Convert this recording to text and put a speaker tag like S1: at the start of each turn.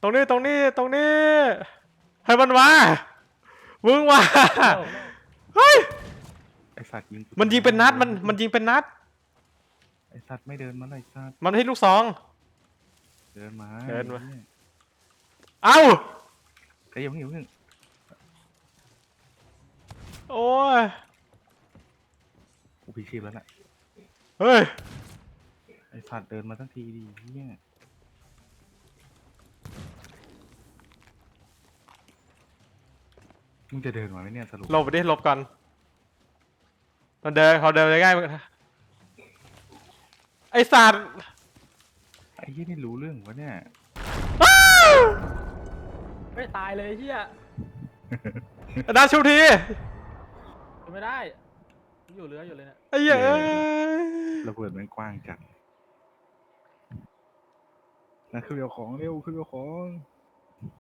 S1: ตรงนี้ให้มันมามึงมาเฮ้ย
S2: ไอสัตว์ยิง
S1: มันยิงเป็นนัดมันยิงเป็นนัด
S2: ไอสัตว์ไม่เดินมาเลยสัตว์
S1: มันให้ลูกซอง
S2: เดินมา
S1: เอ้า
S2: ไอ้ยัง
S1: โอ้ย
S2: กูพิชิตแล้วแหละ
S1: เฮ้ย
S2: ไอสัตว์เดินมาทั้งทีดีเนี่ยมึงจะเดินมาไหมเนี่ยสรุป
S1: หลบไปดิหลบก่อนมันเดินเขาเดินง่ายไอสัตว์
S2: ไอ้ยี่นี่รู้เรื่องวะเนี่ย
S3: ไม่ตายเลยเฮีย
S1: ดาชูที
S3: ไม่ได้อยู่เรืออยู่เลยเนี่ย
S1: ไอ้เหี้ย
S2: ระเบิดมันกว้างจัดนะคือเดี๋ยวของเร็วคือเดี๋ยวของ